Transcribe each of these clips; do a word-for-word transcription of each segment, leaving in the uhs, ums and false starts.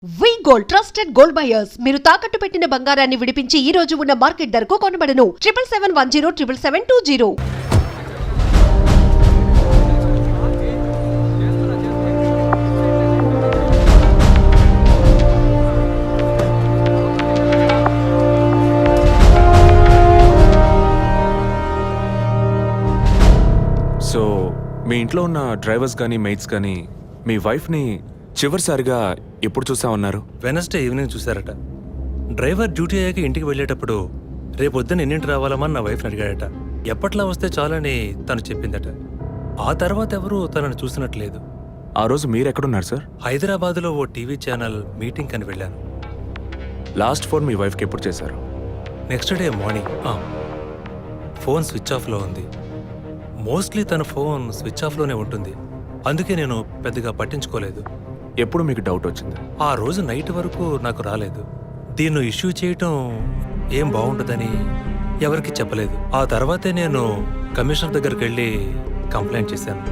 వి gold trusted gold buyers మీరు తాకట్టు పెట్టిన బంగారాన్ని విడిపించి ఈ రోజు ఉన్న మార్కెట్ ధరకు కొనబడను. Triple seven one zero triple seven two zero. So మీ ఇంట్లో ఉన్న డ్రైవర్స్ కానీ మెయిట్స్ కానీ మీ వైఫ్ని చివరిసారిగా ఎప్పుడు చూసా ఉన్నారు? వెనస్డే ఈవినింగ్ చూశారట. డ్రైవర్ డ్యూటీ అయ్యాక ఇంటికి వెళ్ళేటప్పుడు రేపొద్దున ఎన్నింటి రావాలమని నా వైఫ్ని అడిగాడట. ఎప్పట్లా వస్తే చాలని తను చెప్పిందట. ఆ తర్వాత ఎవరూ తనను చూసినట్లేదు. ఆ రోజు మీరు ఎక్కడున్నారు సార్? హైదరాబాద్లో ఓ టీవీ ఛానల్ మీటింగ్ అని వెళ్ళాను. లాస్ట్ ఫోన్ మీ వైఫ్కి ఎప్పుడు చేశారు? Next day morning. Phone switch ఆఫ్లో ఉంది. మోస్ట్లీ తన ఫోన్ స్విచ్ ఆఫ్లోనే ఉంటుంది. అందుకే నేను పెద్దగా పట్టించుకోలేదు. ఎప్పుడు మీకు డౌట్ వచ్చింది? ఆ రోజు నైట్ వరకు నాకు రాలేదు. దీన్ని ఇష్యూ చేయటం ఏం బాగుంటుందని ఎవరికి చెప్పలేదు. ఆ తర్వాతే నేను కమిషనర్ దగ్గరికి వెళ్ళి కంప్లైంట్ చేశాను.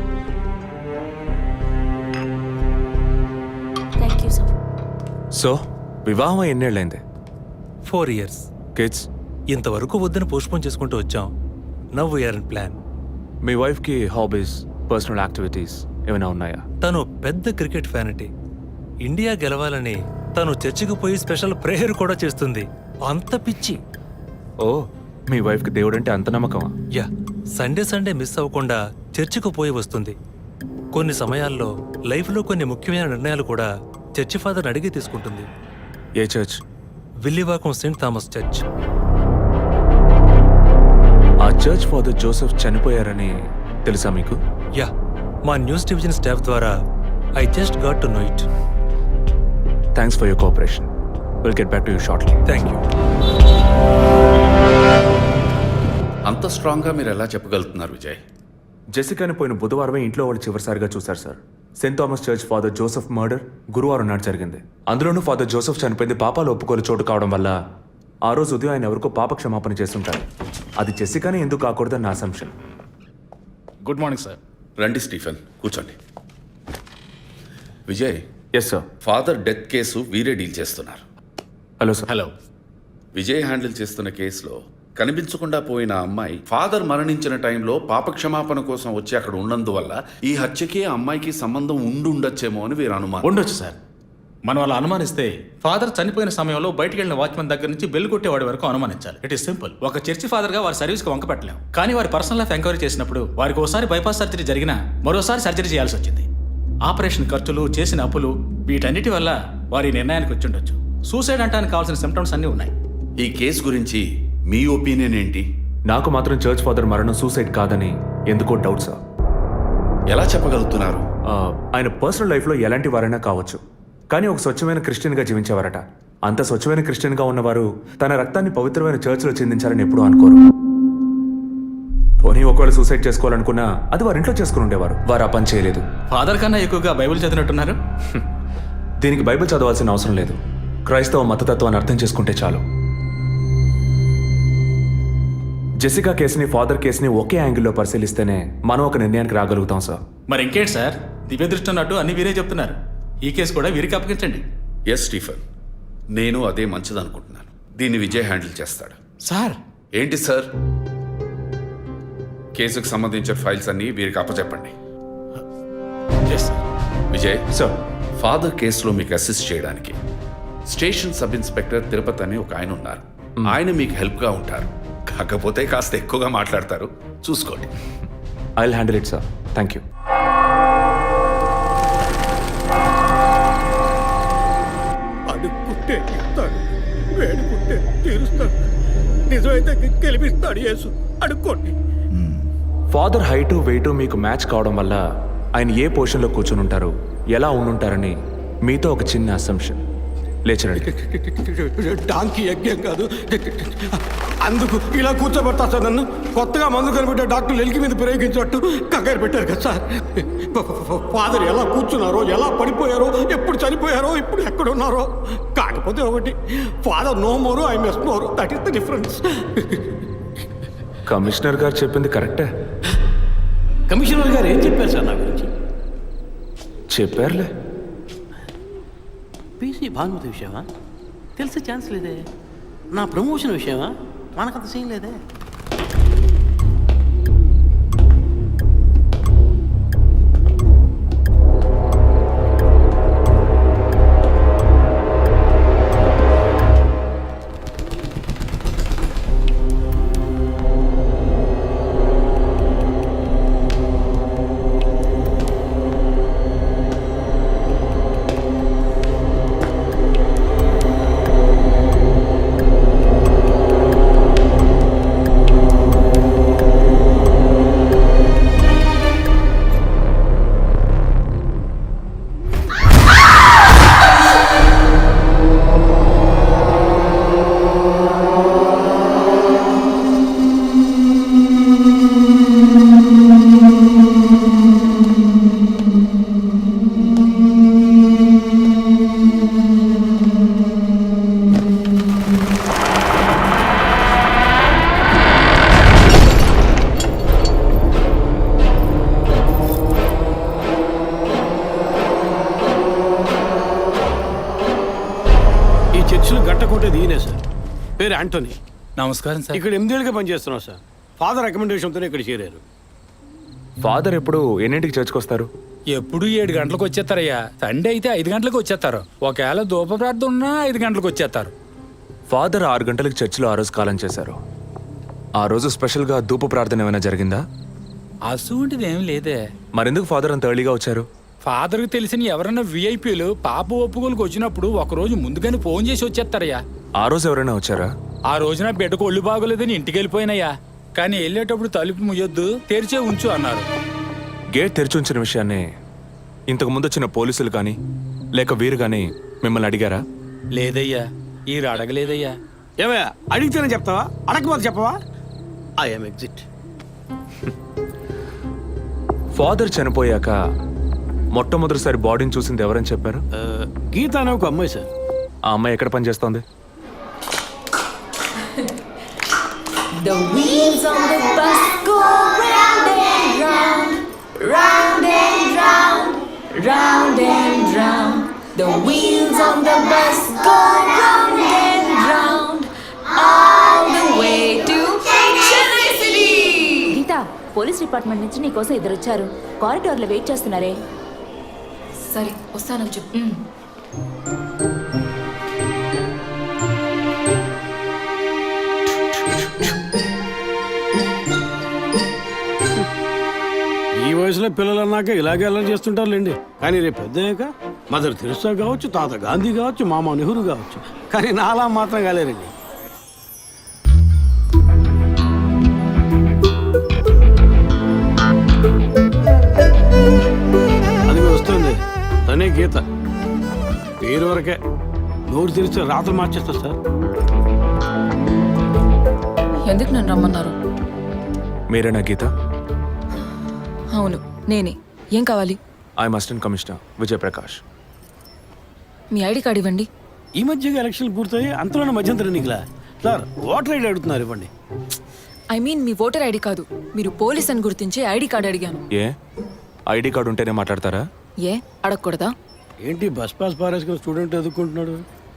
సో వివాహం ఎన్నేళ్ళైంది? Four years. కిడ్స్? ఇంతవరకు వద్దని పోస్ట్పోన్ చేసుకుంటూ వచ్చాం. Now we are in plan. మీ వైఫ్కి హాబీస్, పర్సనల్ యాక్టివిటీస్ ఏమైనా ఉన్నాయా? తను పెద్ద క్రికెట్ ఫ్యానిటీ. ఇండియా గెలవాలని తను చర్చికి పోయి స్పెషల్ ప్రేయర్ కూడా చేస్తుంది. అంత పిచ్చి. ఓ, మీ వైఫ్కి దేవుడు అంటే అంత నమ్మకమా? యా, సండే సండే మిస్ అవ్వకుండా చర్చికి పోయి వస్తుంది. కొన్ని సమయాల్లో లైఫ్లో కొన్ని ముఖ్యమైన నిర్ణయాలు కూడా చర్చి ఫాదర్ని అడిగి తీసుకుంటుంది. ఏ church? Villivakkam Saint Thomas church. ఆ చర్చ్ ఫాదర్ జోసెఫ్ చనిపోయారని తెలుసా మీకు? యా, మా న్యూస్ డివిజన్ స్టాఫ్ ద్వారా I just got to know it. Thanks for your cooperation. Will get back to you shortly. Thank you. అంత స్ట్రాంగ్గా మీరు ఎలా చెప్పగలుగుతున్నారు విజయ్? జెసికాని పోయిన బుధవారమే ఇంట్లో వాళ్ళు చివరిసారిగా చూశారు sir. Saint Thomas church father Joseph murder గురువారం నాడు జరిగింది. అందులోనూ ఫాదర్ జోసెఫ్ చనిపోయింది పాపాలు ఒప్పుకోలు చోటు కావడం వల్ల ఆ రోజు ఉదయం ఆయన ఎవరికో పాప క్షమాపణ చేస్తుంటారు. అది జెసికానే ఎందుకు కాకూడదని నా అసంప్షన్. Good morning sir. రండి స్టీఫెన్, కూర్చోండి. Vijay, yes sir. Father death case వీరే డీల్ చేస్తున్నారు. Hello sir. Hello. Vijay handle చేస్తున్న కేసులో కనిపించకుండా పోయిన అమ్మాయి ఫాదర్ మరణించిన టైంలో పాప క్షమాపణ కోసం వచ్చి అక్కడ ఉన్నందువల్ల ఈ హత్యకి ఆ అమ్మాయికి సంబంధం ఉండి ఉండొచ్చేమో అని వీరు అనుమానం. ఉండొచ్చు సార్. మనం అలా అనుమానిస్తే ఫాదర్ చనిపోయిన సమయంలో బయటికి వెళ్ళిన వాచ్మెన్ దగ్గర నుంచి బెల్ కొట్టేవాడి వరకు అనుమానించాలి. It is simple. ఒక చర్చి ఫాదర్ గా వారి సర్వీస్ కి వంక పెట్టలేం. కానీ వారి పర్సనల్ లైఫ్ ఎంక్వైరీ చేసినప్పుడు వారికి ఒకసారి బైపాస్ సర్జరీ జరిగినా మరోసారి సర్జరీ చేయాల్సి వచ్చింది. ఆపరేషన్ ఖర్చులు, చేసిన అప్పులు, వీటన్నిటి వల్ల వారి నిర్ణయానికి వచ్చి ఉండొచ్చు. సూసైడ్ అంటానికి కావాల్సిన సిమ్టమ్స్ అన్నీ ఉన్నాయి. ఈ కేసు గురించి మీ ఒపీనియన్ ఏంటి? నాకు మాత్రం చర్చ్ ఫాదర్ మరణం సూసైడ్ కాదని ఎందుకో డౌట్ సార్. ఎలా చెప్పగలుగుతున్నారు? ఆ, ఆయన పర్సనల్ లైఫ్లో ఎలాంటి వారైనా కావచ్చు, కానీ ఒక స్వచ్ఛమైన క్రిస్టియన్గా జీవించేవారట. అంత స్వచ్ఛమైన క్రిస్టియన్గా ఉన్నవారు తన రక్తాన్ని పవిత్రమైన చర్చ్లో చెందించాలని ఎప్పుడూ అనుకోరు. పోనీ ఒకవేళ సూసైడ్ చేసుకోవాలనుకున్నా అది వారి ఇంట్లో చేసుకుని ఉండేవారు. వారు ఆ పని చేయలేదు. ఫాదర్ కన్నా ఎక్కువగా బైబిల్ చదివినట్టున్నారు. దీనికి బైబిల్ చదవాల్సిన అవసరం లేదు. క్రైస్తవ మతతత్వాన్ని అర్థం చేసుకుంటే చాలు. జెసికా కేసుని, ఫాదర్ కేసుని ఒకే యాంగిల్లో పరిశీలిస్తేనే మనం ఒక నిర్ణయానికి రాగలుగుతాం సార్. మరి ఇంకేంటి సార్, దివ్య దృష్టి అన్నట్టు అన్ని వీరే చెప్తున్నారు. ఈ కేసు కూడా వీరికి అప్పగించండి. ఎస్ స్టీఫెన్, నేను అదే మంచిదనుకుంటున్నాను. దీన్ని విజయ్ హ్యాండిల్ చేస్తాడు. సార్. ఏంటి సార్? కేసుకు సంబంధించిన ఫైల్స్ అన్ని వీరికి అప్పచెప్పండి. విజయ్ సార్, ఫాదర్ కేసులో మీకు అసిస్ట్ చేయడానికి స్టేషన్ సబ్ ఇన్స్పెక్టర్ తిరుపతి అని ఒక ఆయన ఉన్నారు. ఆయన మీకు హెల్ప్గా ఉంటారు. కాకపోతే కాస్త ఎక్కువగా మాట్లాడతారు, చూసుకోండి. I will handle it sir. Thank you. అడుక్కుంటే ఇస్తాడు, వేడుకుంటే తీరుస్తాడు, నిజమైతే గెలిపిస్తాడు యేసు. అడుక్కోండి. ఫాదర్ హైటు వెయిటు మీకు మ్యాచ్ కావడం వల్ల ఆయన ఏ పొజిషన్లో కూర్చుని ఉంటారు, ఎలా ఉండుంటారని మీతో ఒక చిన్న అసంప్షన్. లేచరండి. డాంకీ యజ్ఞం కాదు, అందుకు ఇలా కూర్చోబెడతా సార్ నన్ను. కొత్తగా మందు కనిపెట్టే డాక్టర్లు ఎలికి మీద ప్రయోగించినట్టు కంగారు పెట్టారు కదా సార్. ఫాదర్ ఎలా కూర్చున్నారో, ఎలా పడిపోయారో, ఎప్పుడు చనిపోయారో, ఇప్పుడు ఎక్కడున్నారో. కాకపోతే ఒకటి, father no more, I mess more. That is the difference. Commissioner గారు చెప్పింది కరెక్టే. కమిషనర్ గారు ఏం చెప్పారు సార్ నా గురించి? చెప్పారులే. పీసీ భానుమతి విషయమా? తెలిసే ఛాన్స్ లేదే. నా ప్రమోషన్ విషయమా? మనకంత సీన్ లేదే. చర్చిలో గట్టకొట్టేది ఈయనే సార్. పేరు యాంటోనీ. నమస్కారం సార్. ఇక్కడ ఎనిమిదేళ్ళుగా పనిచేస్తున్నాం సార్. ఫాదర్ రికమెండేషన్తోనే ఇక్కడ చేరారు. ఫాదర్ ఎప్పుడు ఎన్నింటికి చర్చ్కి వస్తారు? ఎప్పుడు ఏడు గంటలకు వచ్చేస్తారయ్యా. సండే అయితే ఐదు గంటలకు వచ్చేస్తారు. ఒకవేళ ధూప ప్రార్థన ఉన్నా ఐదు గంటలకు వచ్చేస్తారు. ఫాదర్ ఆరు గంటలకు చర్చిలో ఆ రోజు కాలం చేశారు. ఆ రోజు స్పెషల్గా ధూప ప్రార్థన ఏమైనా జరిగిందా? అసువంటిది ఏం లేదే. మరెందుకు ఫాదర్ అంత ఎర్లీగా వచ్చారు? ఫాదర్కి తెలిసిన ఎవరైనా విఐపీలు పాప ఒప్పుకోలకు వచ్చినప్పుడు ఒకరోజు ముందుగానే ఫోన్ చేసి వచ్చేస్తారయ్యా. ఆ రోజు ఎవరైనా వచ్చారా? ఆ రోజున బిడ్డకు ఒళ్ళు బాగోలేదని ఇంటికి వెళ్ళిపోయినయ్యా. కానీ వెళ్ళేటప్పుడు తలుపు ముయ్యొద్దు, తెరిచే ఉంచు అన్నారు. గేట్ తెరిచి ఉంచిన విషయాన్ని ఇంతకు ముందు వచ్చిన పోలీసులు కానీ లేక వీరు కానీ మిమ్మల్ని అడిగారా? లేదయ్యా, ఈ అడగలేదయ్యా. ఏమయ్యా అడిగితేనే చెప్తావా, అడగకపోతే చెప్పవా? I'm exit. ఫాదర్ చనిపోయాక మొట్టమొదటిసారి బాడీని చూసింది ఎవరని చెప్పారు? గీత అనే ఒక అమ్మాయి సార్. ఆ అమ్మాయి ఎక్కడ పనిచేస్తోంది? The wheels on the bus go round and round, round and round, round and round. The wheels on the bus go round and round, all the way to Chennai City. Geeta, police department నుంచి నీకోసం ఇద్దరు వచ్చారు. కారిడార్లో wait చేస్తున్నారే. సరే వస్తానని చెప్పు. ఈ వయసులో పిల్లలు అన్నాక ఇలాగే అలా చేస్తుంటారులేండి. కానీ రేపు పెద్దయ్యాక మదర్ తెరిసా కావచ్చు, తాత గాంధీ కావచ్చు, మామ నెహ్రూ కావచ్చు. కానీ నాలా మాత్రం కాలేరండి. అది వస్తుంది తనే గీత. పేరు వరకే, నోరు తెరిస్తే రాత్రి మార్చేస్తా సార్. ఎందుకు నన్ను రమ్మన్నారు? మీరేనా గీత? అవును నేనే. ఏం కావాలి? I'm assistant commissioner Vijayaprakash. మీ ఐడి కార్డ్ ఇవ్వండి. ఈ మధ్యగా ఎలక్షన్లు పూర్తయి అంతలోనే మధ్యంతర ఎన్నికలా సార్? ఓటర్ ఐడి అడుగుతున్నారు, ఇవ్వండి. ఐ మీన్ మీ ఓటర్ ఐడి కాదు, మీరు పోలీస్ అని గుర్తించే ఐడి కార్డ్ అడిగాను. ఏ ఐడి కార్డు ఉంటేనే మాట్లాడతారా? ఏ అడగకూడదా? ఏంటి బస్ పాస్ పారేసుకుని స్టూడెంట్ ఎదుర్కొంటున్నాడు?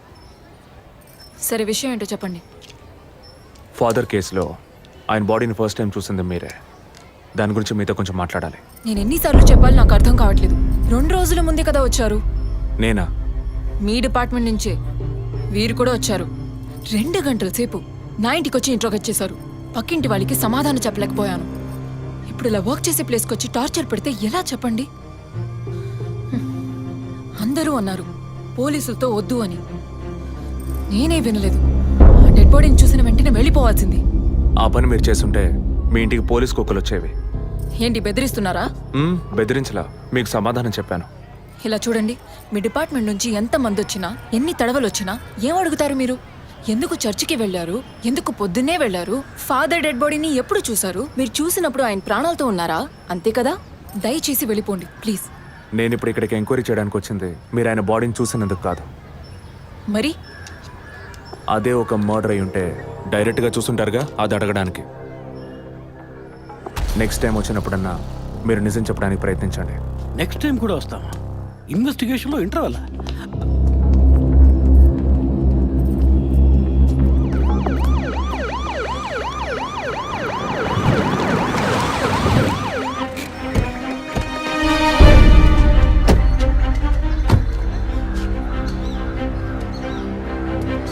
సరే విషయం ఏంటో చెప్పండి. ఫాదర్ కేసులో ఆయన బాడీని ఫస్ట్ టైం చూసింది మీరే. దాని గురించి మీతో కొంచెం మాట్లాడాలి. నేను ఎన్నిసార్లు చెప్పాలి, నాకు అర్థం కావట్లేదు. రెండు రోజుల ముందే కదా వచ్చారు. నేనా? మీ డిపార్ట్మెంట్ నుంచే వీరు కూడా వచ్చారు. రెండు గంటల సేపు నా ఇంటికి వచ్చి ఇంట్రోగేట్ చేశారు. పక్కింటి వాళ్ళకి సమాధానం చెప్పలేకపోయాను. ఇప్పుడు ఇలా వర్క్ చేసే ప్లేస్కి వచ్చి టార్చర్ పెడితే ఎలా చెప్పండి? హ్మ్. అందరూ అన్నారు పోలీసులతో వద్దు అని. నేనే వినలేదు. ఆ డెడ్ బాడీని చూసిన వెంటనే వెళ్ళిపోవాల్సింది. ఆ పని మీరు చేస్తుంటే మీ ఇంటికి పోలీస్ కుక్కలు వచ్చేవి. ఏంటి బెదిరిస్తున్నారా? మ్మ్, బెదిరించలా, మీకు సమాధానం చెప్పాను. ఇలా చూడండి, మీ డిపార్ట్మెంట్ నుంచి ఎంత మంది వచ్చినా, ఎన్ని తడవలు వచ్చినా ఏం అడుగుతారు మీరు? ఎందుకు చర్చికి వెళ్ళారు? ఎందుకు పొద్దున్నే వెళ్ళారు? ఫాదర్ డెడ్ బాడీని ఎప్పుడు చూశారు? మీరు చూసినప్పుడు ఆయన ప్రాణాలతో ఉన్నారా? అంతే కదా. దయచేసి వెళ్ళిపోండి ప్లీజ్. నేను ఇప్పుడు ఇక్కడికి ఎంక్వైరీ చేయడానికి వచ్చింది మీరు ఆయన బాడీని చూసినందుకు కాదు. మరి అదే ఒక మర్డర్ అయి ఉంటే డైరెక్ట్గా చూసుంటారుగా, అది అడగడానికి. నెక్స్ట్ టైం వచ్చినప్పుడన్నా మీరు నిజం చెప్పడానికి ప్రయత్నించండి. నెక్స్ట్ టైం కూడా వస్తామా? ఇన్వెస్టిగేషన్లో ఇంటర్వల్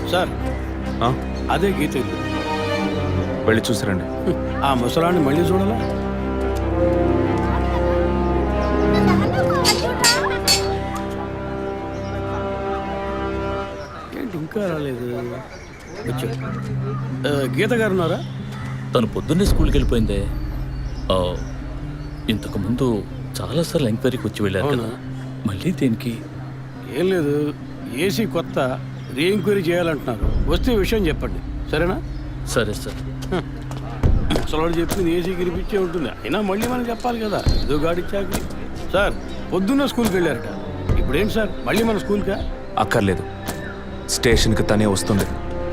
సార్ ఆ? అదే గీత ఇల్లు. వెళ్ళి చూసిరండి. ఆ ముసలాన్ని మళ్ళీ చూడాలా? ఏంటి ఇంకా రాలేదు? వచ్చా. ఆ, గీత గారు ఉన్నారా? తను పొద్దున్నే స్కూల్కి వెళ్ళిపోయిందే. ఆ, ఇంతకు ముందు చాలాసార్లు ఎంక్వైరీకి వచ్చి వెళ్ళారు కదా, మళ్ళీ దేనికి? ఏం లేదు, ఏసీ కొత్త రీ ఎంక్వైరీ చేయాలంటున్నారు. వస్తే విషయం చెప్పండి, సరేనా? సరే సార్. ముసలాడు చెప్పింది ఏసీ గిరిపించే ఉంటుంది, అయినా మళ్ళీ మనం చెప్పాలి కదా, ఏదో గాడిచ్చాక. సార్ పొద్దున్న స్కూల్కి వెళ్ళారట, ఇప్పుడేంటి సార్ మళ్ళీ మన స్కూల్కా? అక్కర్లేదు, స్టేషన్కి తనే వస్తుంది.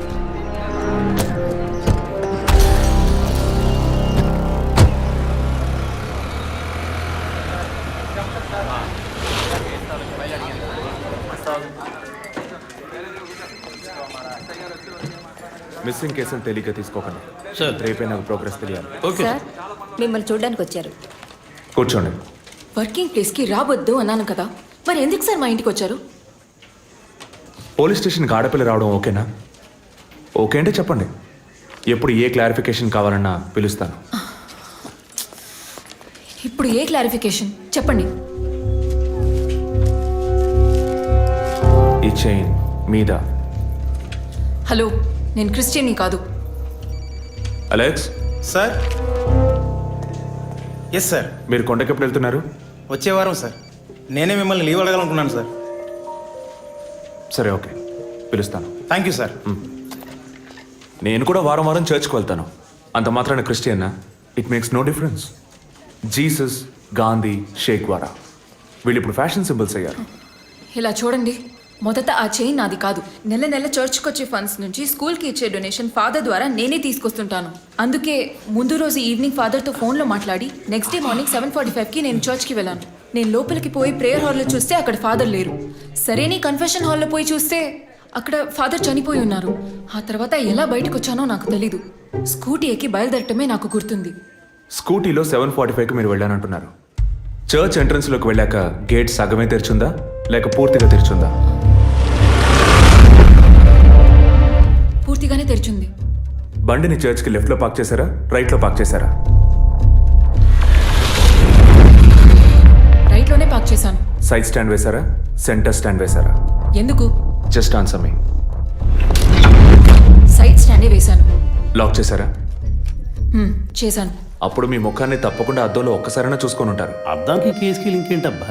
మిస్సింగ్ కేసులు తేలిగ్గా తీసుకోకండి సార్ రేపే నాకు ప్రోగ్రెస్ తెలియాలి. ఓకే సార్ మిమ్మల్ని చూడడానికి వచ్చారు. కూర్చోండి. వర్కింగ్ ప్లేస్కి రావద్దు అన్నాను కదా, మరి ఎందుకు సార్ మా ఇంటికి వచ్చారు? పోలీస్ స్టేషన్కి ఆడపిల్ల రావడం ఓకేనా? ఓకే అంటే చెప్పండి, ఎప్పుడు ఏ క్లారిఫికేషన్ కావాలన్నా పిలుస్తాను. ఇప్పుడు ఏ క్లారిఫికేషన్ చెప్పండి. ఈ చైన్ మీద. హలో, నేను క్రిస్టియన్ని కాదు. Alex sir. Yes sir. మీరు కొండకి ఎప్పుడు వెళ్తున్నారు? వచ్చే వారం సార్. నేనే మిమ్మల్ని లీవ్ అడగాలనుకున్నాను సార్. సరే ఓకే, పిలుస్తాను. Thank you sir. నేను కూడా వారం వారం చర్చ్కి వెళ్తాను. అంత మాత్రాన క్రిస్టియన్నా? It makes no difference. Jesus, Gandhi, షేక్ వారా వీళ్ళు ఇప్పుడు ఫ్యాషన్ సింబల్స్ అయ్యారు. ఇలా చూడండి, మొదట ఆ చైన్ నాది కాదు. నెల నెల చర్చ్కి వచ్చే ఫండ్స్ నుంచి స్కూల్కి ఇచ్చే డొనేషన్ ఫాదర్ ద్వారా నేనే తీసుకొస్తుంటాను. అందుకే ముందు రోజు ఈవినింగ్ ఫాదర్తో ఫోన్లో మాట్లాడి next day morning seven forty ఫైవ్కి నేను చర్చ్కి వెళ్ళాను. నేను లోపలికి పోయి ప్రేయర్ హాల్లో చూస్తే అక్కడ ఫాదర్ లేరు. సరే నీ కన్ఫెషన్ హాల్లో పోయి చూస్తే అక్కడ ఫాదర్ చనిపోయి ఉన్నారు. ఆ తర్వాత ఎలా బయటకు వచ్చానో నాకు తెలీదు. స్కూటీ ఎక్కి బయలుదేరటమే నాకు గుర్తుంది. స్కూటీలో సెవెన్ ఫార్టీ ఫైవ్కి మీరు వెళ్ళానంటున్నారు. చర్చ్ ఎంట్రన్స్లోకి వెళ్ళాక గేట్ సగమే తెరిచుందా లేక పూర్తిగా తెరిచుందా? పూర్తిగానే తెరిచింది. బండిని చర్చ్కి లెఫ్ట్లో పార్క్ చేశారా, రైట్లో పార్క్ చేశారా? రైట్లోనే పార్క్ చేశాను. సైడ్ స్టాండ్ వేశారా, సెంటర్ స్టాండ్ వేశారా? ఎందుకు? Just answer me. సైడ్ స్టాండే వేశాను. లాక్ చేశారా? హ్మ్, చేశాను. అప్పుడు మీ ముఖాన్ని తప్పకుండా అద్దంలో ఒక్కసారైనా చూసుకొని ఉంటారు. అద్దానికి కేసుకి లింక్ ఏంటబ్బా?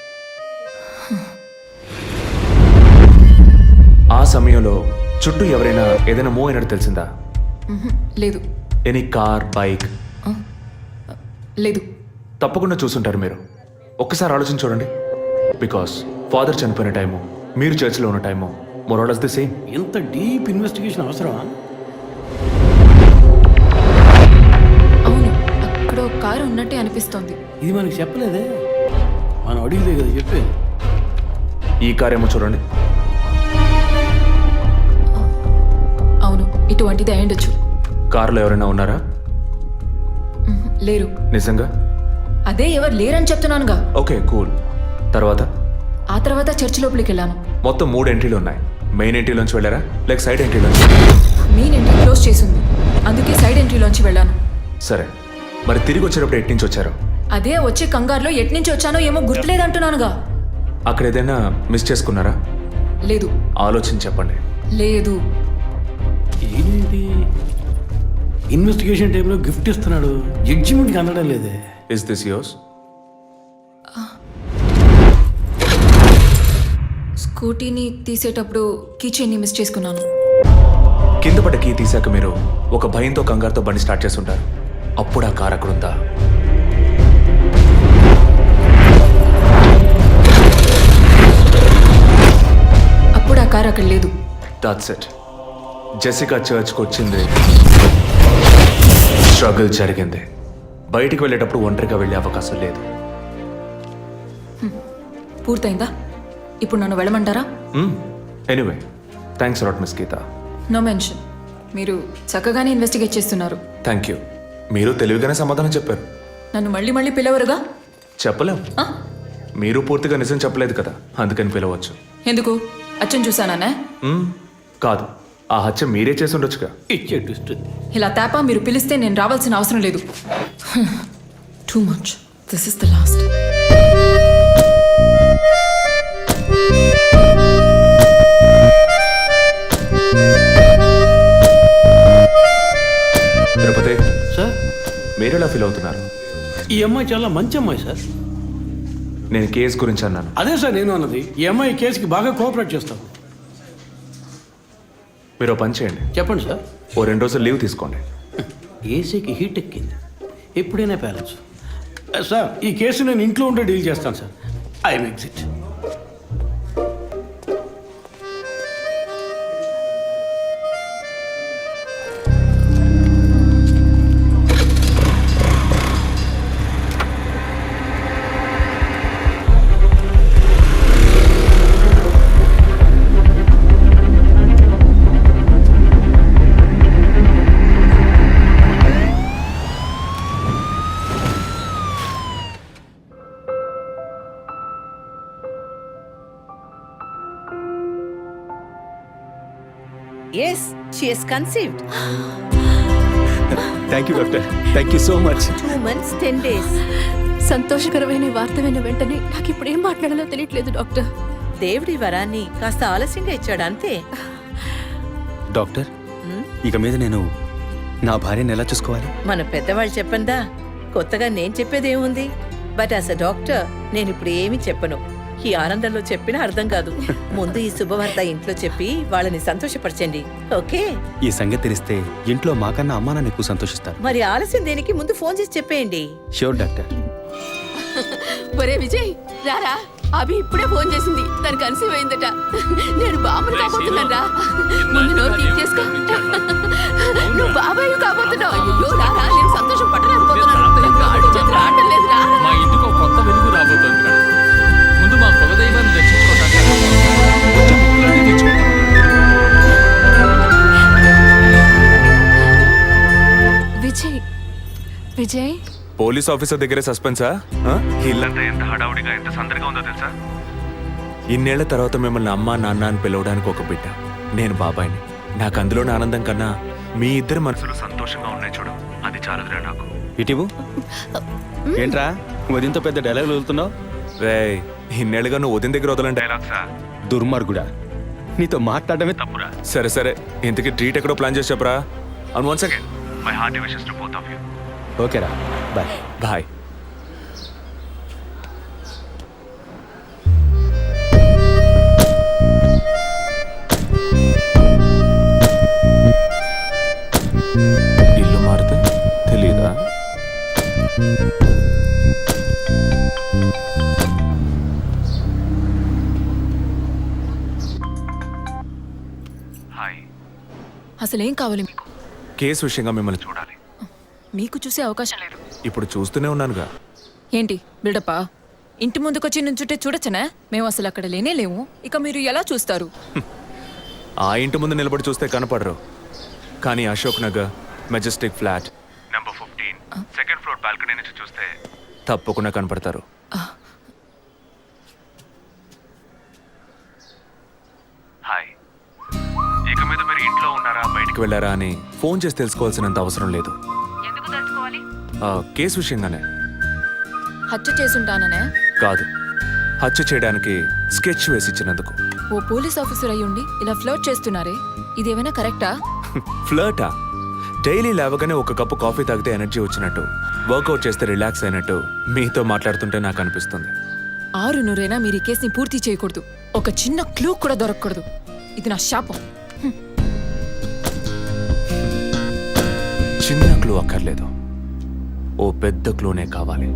ఆ సమయంలో చుట్టూ ఎవరైనా ఏదైనా మూవ్ అయినట్టు తెలిసిందా? మ్హూ, లేదు. Any car, bike? లేదు. తప్పకుండా చూసుంటారు మీరు. ఒక్కసారి ఆలోచన చూడండి. బికాస్ ఫాదర్ చనిపోయిన టైము, మీరు చర్చిలో ఉన్న టైము మోరాలస్ ది సేమ్. ఇంత డీప్ ఇన్వెస్టిగేషన్ అవసరమా? అవును, అక్కడ ఒక కారు ఉన్నట్టే అనిపిస్తోంది. ఇది మనకి చెప్పలేదే, మనం అడిగితే కదా చెప్పేది. ఈ కార్ ఏమో చూడండి. అవును, ఇటువంటిది అయ్యుండొచ్చు. కారులో ఎవరైనా ఉన్నారా? మ్హూ, లేరు. నిజంగా? అదే ఎవరు లేరని చెప్తున్నానుగా. Okay cool. తర్వాత? ఆ తర్వాత చర్చి లోపలికి వెళ్ళాను. మొత్తం మూడు ఎంట్రీలు ఉన్నాయి. మెయిన్ ఎంట్రీలోంచి వెళ్ళారా లేక సైడ్ ఎంట్రీలోంచి? మెయిన్ ఎంట్రీ క్లోజ్ చేసింది, అందుకే సైడ్ ఎంట్రీలోంచి వెళ్ళాను. సరే, మరి తిరిగి వచ్చేటప్పుడు ఎటు నుంచి వచ్చారు? అదే వచ్చే కంగారులో ఎట్నుంచి వచ్చానో ఏమో గుర్తులేదంటున్నానుగా. అక్కడ ఏదైనా మిస్ చేసుకున్నారా? లేదు. ఆలోచించి చెప్పండి. లేదు. ఏంటి ఇన్వెస్టిగేషన్ టైంలో గిఫ్ట్ ఇస్తున్నాడు, జడ్జిమెంట్కి అందడం లేదే. Is this yours? స్కూటీని తీసేటప్పుడు కీచైన్ని మిస్ చేసుకున్నాను. కింద పడ్డ కీ తీసాక మీరు ఒక భయంతో కంగారుతో బండి స్టార్ట్ చేస్తుంటారు. అప్పుడు ఆ కార్ అక్కడుందా? అప్పుడు ఆ కార్ అక్కడ లేదు. That's it. జెసికా చర్చ్కి వచ్చింది, స్ట్రగుల్ జరిగింది. బయటికి వెళ్ళేటప్పుడు ఒంటరిగా వెళ్ళే అవకాశం లేదు. పూర్తయిందా? ఇప్పుడు నన్ను వెళ్ళమంటారా? Anyway, thanks lot miss Geeta. No mention. మీరు చక్కగానే ఇన్వెస్టిగేట్ చేస్తున్నారు. Thank you. మీరు తెలివిగానే సమాధానం చెప్పారు. నన్ను మళ్ళీ మళ్ళీ పిలవరుగా? చెప్పలేం. ఆ? మీరు పూర్తిగా నిజం చెప్పలేదు కదా, అందుకని పిలవచ్చు. ఎందుకు? అచ్చం చూసానా? మ్మ్, కాదు, ఆ హత్య మీరే చేసి ఉండొచ్చుగా. ఇచ్చే ట్విస్ట్. ఇలా తేపా మీరు పిలిస్తే నేను రావాల్సిన అవసరం లేదు. Too much. This is the last. Tirupati, sir, మీరు ఎలా ఫీల్ అవుతున్నారు? ఈ అమ్మాయి చాలా మంచి అమ్మాయి సార్. నేను కేసు గురించి అన్నాను. అదే సార్ నేను అన్నది. ఈ అమ్మాయి కేసుకి బాగా కోఆపరేట్ చేస్తాం. మీరు ఓ పని చేయండి, చెప్పండి సార్. ఓ రెండు రోజులు లీవ్ తీసుకోండి. ఏసీకి హీట్ ఎక్కింది, ఎప్పుడైనా ప్యాలెన్స్. సార్, ఈ కేసు నేను ఇంట్లో ఉండే డీల్ చేస్తాను sir. I'm exit. Yes, she is conceived. Thank you doctor, thank you so much. Two months, ten days. సంతోషకరమైన వార్త విన్న వెంటనే నాకు ఇప్పుడు ఏం మాట్లాడాలో తెలియట్లేదు డాక్టర్. దేవుడి వరాన్ని కాస్త ఆలస్యంగా ఇచ్చాడు అంతే. డాక్టర్, ఇక మీద నేను నా భార్యను ఎలా చూసుకోవాలి? మన పెద్దవాళ్ళు చెప్పందా, కొత్తగా నేను చెప్పేదేముంది. బట్ యాజ్ అ డాక్టర్ నేను ఇప్పుడు ఏమీ చెప్పను. ఈ ఆనందంలో చెప్పినా అర్థం కాదు. ముందు ఈ శుభవార్త ఇంట్లో చెప్పి వాళ్ళని సంతోషపరచండి, ఓకే? ఈ సంగతి తెలిస్తే ఇంట్లో మాకన్నా అమ్మా నాన్న ఎక్కువ సంతోషిస్తారు. మరి ఆలస్యం దేనికి, ముందు ఫోన్ చేసి చెప్పేయండి. Sure doctor. ఒరే విజయ్, రారా. అభి ఇప్పుడే ఫోన్ చేసింది, తను కన్సీవ్ అయిందట. నేను బాబుని కాబోతున్నాను రా. ముందు నోరు తీపి చేసుకో. నువ్వు బాబాయ్ కాబోతున్నావు. అయ్యో రారా, నేను సంతోషం పట్టలేకపోతున్నాను. ఆడు చేతులు ఆడటం లేదు రా. మా ఇంటికి ఒక కొత్త వెలుగు రాబోతోంది మేడం. ముందు మా కులదైవాన్ని దర్శించుకోవడానికి కొంచెం ముక్కులాంటి తెచ్చుకుంటాం. విజయ్, విజయ్, పోలీస్ ఆఫీసర్ దగ్గరే సస్పెన్సా? ఆ? ఇల్లంతా ఎంత హడావుడిగా, ఎంత సందడిగా ఉందో తెలుసా? ఇన్నేళ్ల తర్వాత మిమ్మల్ని అమ్మా నాన్న అని పిలవడానికి ఒక బిడ్డ, నేను బాబాయిని. నాకు అందులోని ఆనందం కన్నా మీ ఇద్దరు మనసులు సంతోషంగా ఉన్నాయి చూడు, అది చాలదురా నాకు. ఇటీవు ఏంట్రా వదింతో పెద్ద డైలాగ్ వదులుతున్నావు? రే, ఇన్నేళ్ళుగా నువ్వు ఉదయం దగ్గర వదలని డైలాగ్సా? దుర్మార్గుడా, నీతో మాట్లాడమే తప్పురా. సరే సరే, ఇంతకీ ట్రీట్ ఎక్కడో ప్లాన్ చేసి చెప్పరా? And once again my hearty wishes to both of you. ఓకేరా, బాయ్. బాయ్. ఇల్లు మారితే తెలీదా? హాయ్. అసలేం కావాలి మీకు? కేసు విషయంగా మిమ్మల్ని చూడాలి. మీకు చూసే అవకాశం లేదు. ఇప్పుడు చూస్తూనే ఉన్నానుగా. ఏంటి బిల్డప్పా? ఇంటి ముందుకొచ్చి నుంచుంటే చూడొచ్చనా? మేము అసలు అక్కడ లేనే లేము, ఇక మీరు ఎలా చూస్తారు? ఆ ఇంటి ముందు నిలబడి చూస్తే కనపడరు, కానీ Ashok Nagar Majestic flat number fifteen second floor balcony నుంచి చూస్తే తప్పకుండా కనపడతారు. హాయ్. ఇక మీద మీరు ఇంట్లో ఉన్నారా, బయటికి వెళ్ళారా అని ఫోన్ చేసి తెలుసుకోవాల్సినంత అవసరం లేదు. ఆ, కేసు విషయంగానే. హత్య చేసుంటాననే కాదు, హత్య చేయడానికి స్కెచ్ వేసి ఇచ్చినందుకు. ఓ పోలీస్ ఆఫీసర్ అయ్యుండి ఇలా ఫ్లర్ట్ చేస్తున్నారే, ఇదేమైనా కరెక్టా? ఫ్లర్టా? డైలీ లేవగానే ఒక కప్పు కాఫీ తాగితే ఎనర్జీ వచ్చినట్టు, వర్కౌట్ చేస్తే రిలాక్స్ అయినట్టు మీతో మాట్లాడుతుంటే నాకు అనిపిస్తుంది. ఆరు నూరైనా మీరు ఈ కేసుని పూర్తి చేయకూడదు. ఒక చిన్న క్లూ కూడా దొరకకూడదు. ఇది నా శాపం. చిన్న క్లూ అక్కర్లేదు, ఓ పెద్ద క్లూనే కావాలి.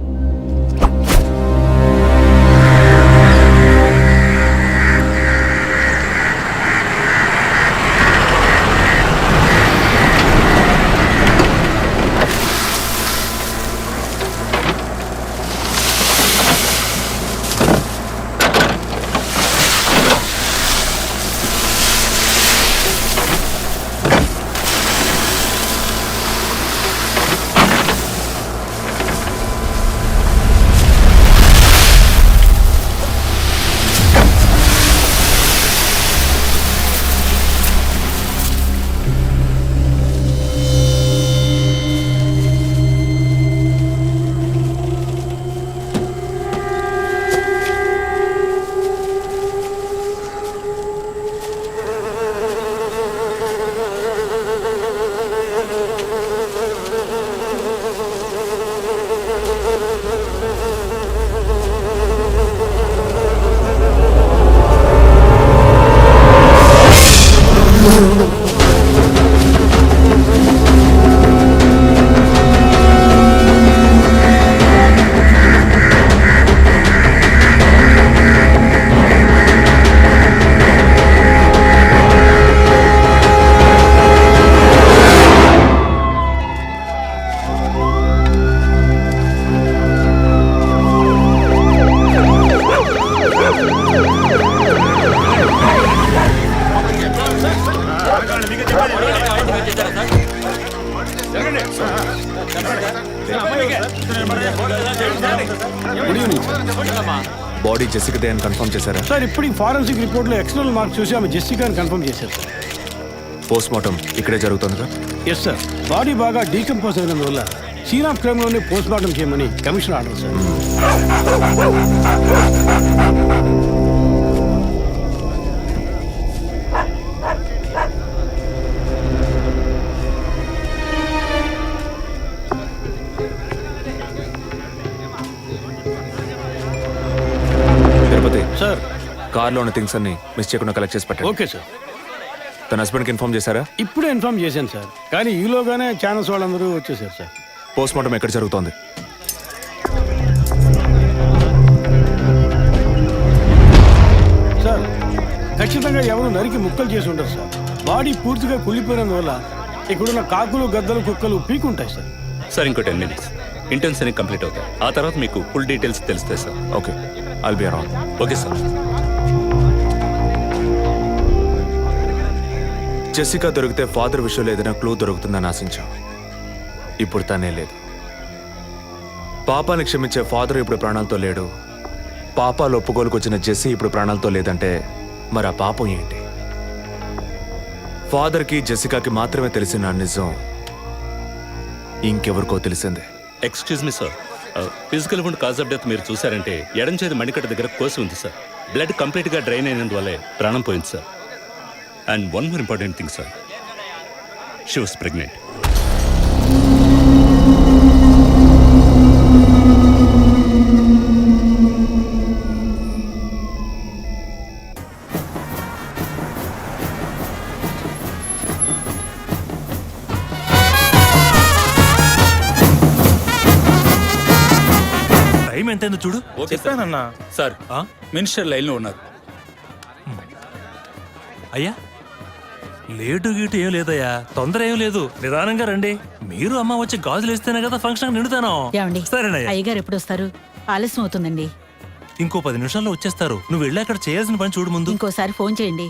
బాడీ జెసికదే అని కన్ఫర్మ్ చేశారా? సార్ ఇప్పుడు ఫారెన్సిక్ రిపోర్ట్లో ఎక్స్టర్నల్ మార్క్స్ చూసి ఆమె జెస్సికా అని కన్ఫర్మ్ చేశారు సార్. పోస్ట్ మార్టం ఇక్కడే జరుగుతుందిగా? Yes sir. బాడీ బాగా డీకంపోజ్ అయినందువల్ల సీన్ ఆఫ్ క్రైమ్లోనే పోస్ట్ మార్టం చేయమని commission order sir. Tirupati sir కార్లో ఉన్న థింగ్స్ అన్ని మిస్ చేయకుండా కలెక్ట్ చేసి పెట్టండి. Okay sir. తన హస్బెండ్కి ఇన్ఫార్మ్ చేశారా? ఇప్పుడే ఇన్ఫార్మ్ చేశాను సార్, కానీ ఈలోగానే ఛానల్స్ వాళ్ళందరూ వచ్చేసారు సార్. పోస్ట్ మార్టం ఎక్కడ జరుగుతోంది? సార్ ఖచ్చితంగా ఎవరు నరికి ముక్కలు చేసి ఉంటారు సార్. బాడీ పూర్తిగా కుళ్ళిపోయినందువల్ల ఇక్కడున్న కాకులు గద్దలు కుక్కలు పీకుంటాయి సార్. సార్ ఇంకో టెన్ మినిట్స్ ఇంటర్న్స్ అన్ని కంప్లీట్ అవుతాయి. ఆ తర్వాత మీకు ఫుల్ డీటెయిల్స్ తెలుస్తాయి sir. Okay, I'll be around. Okay sir. Jessica దొరికితే ఫాదర్ విషయంలో ఏదైనా క్లూ దొరుకుతుందని ఆశించాం. ఇప్పుడు తనే లేదు. పాపాన్ని క్షమించే ఫాదర్ ఇప్పుడు ప్రాణాలతో లేడు. పాపాలు ఒప్పుకోలుకు వచ్చిన జెస్సీ ఇప్పుడు ప్రాణాలతో లేదంటే మరి ఆ పాపం ఏంటి? ఫాదర్కి జెసికాకి మాత్రమే తెలిసిన నిజం ఇంకెవరికో తెలిసిందే. Excuse me sir, physical wound cause of death మీరు చూసారంటే ఎడం చేతి మణికట్ట దగ్గర కోసి ఉంది సార్. బ్లడ్ కంప్లీట్గా డ్రైన్ అయినందువల్లే ప్రాణం పోయింది సార్. And one more important thing sir, she was pregnant. Time ఎంతైందో చూడు. చెప్పానన్నా సార్ మినిస్టర్ లైన్లో ఉన్నారు. అయ్యా లేటు గీటు ఏం లేదయ్యా, తొందర ఏం లేదు, నిదానంగా రండి. మీరు అమ్మ వచ్చి గాజులు వేస్తేనే కదా ఫంక్షన్ నిండుతాను. సరేనయ్యా. అయ్యగారు ఎప్పుడు వస్తారు? ఆలస్యం అవుతుందండి. ఇంకో పది నిమిషాల్లో వచ్చేస్తారు. నువ్వు వెళ్ళి అక్కడ చేయాల్సిన పని చూడు ముందు. ఇంకోసారి ఫోన్ చేయండి.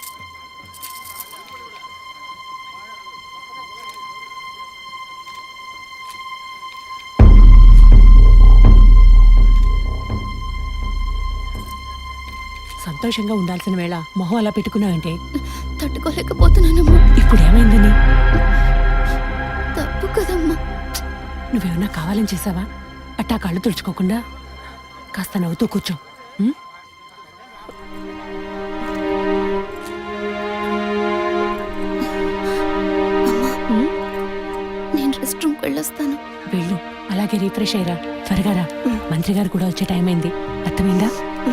సంతోషంగా ఉండాల్సిన వేళ మొహం అలా పెట్టుకున్నావంటే తట్టుకోలేకపోతున్నానమ్మా. ఇప్పుడు ఏమైందని? తప్పు కదమ్మా. నువ్వేమన్నా కావాలని చేసావా? అట్టా కళ్ళు తుడుచుకోకుండా కాస్త నవ్వుతూ కూర్చో. ఉం? ఉం? నేను రెస్ట్ రూమ్కి వెళ్ళొస్తాను. వెళ్ళు, అలాగే రీఫ్రెష్ అయ్యరా. త్వరగా రా, మంత్రి గారు కూడా వచ్చే టైం అయింది. అర్థమైందా?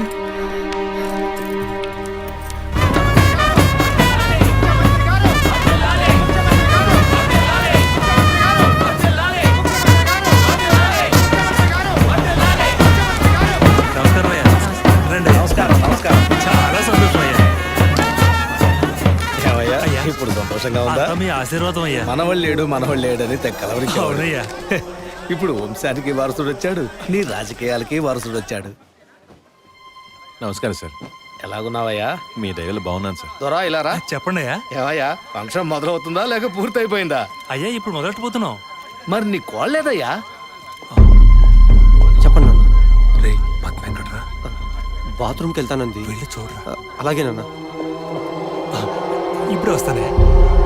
నమస్కారం అయ్యా. రండి. చాలా సంతోషం అయ్యా. అయ్యా, ఇప్పుడు సంతోషంగా ఉందా? అంతా మీ ఆశీర్వాదం అయ్యా. మనవాళ్ళు లేడు మనవాళ్ళు లేడని తెక్కలవరికి అవునయ్యా. ఇప్పుడు వంశానికి వారసుడు వచ్చాడు, నీ రాజకీయాలకి వారసుడు వచ్చాడు. నమస్కారం సార్. ఎలాగున్నావయ్యా? మీ దయలో బాగున్నాను సార్. దొరా ఇలా రా. చెప్పండి అయ్యా. ఏవయ్యా ఫంక్షన్ మొదలవుతుందా లేక పూర్తయిపోయిందా? అయ్యా ఇప్పుడు మొదలెట్టబోతున్నాం. మరి నీ కోళ్ళేదయ్యా? చెప్పండి నాన్న. రే పద్మ ఎక్కడరా? బాత్రూమ్కి వెళ్తానంది. వెళ్ళి చూడరా. అలాగేనన్నా. ఇప్పుడు వస్తానే.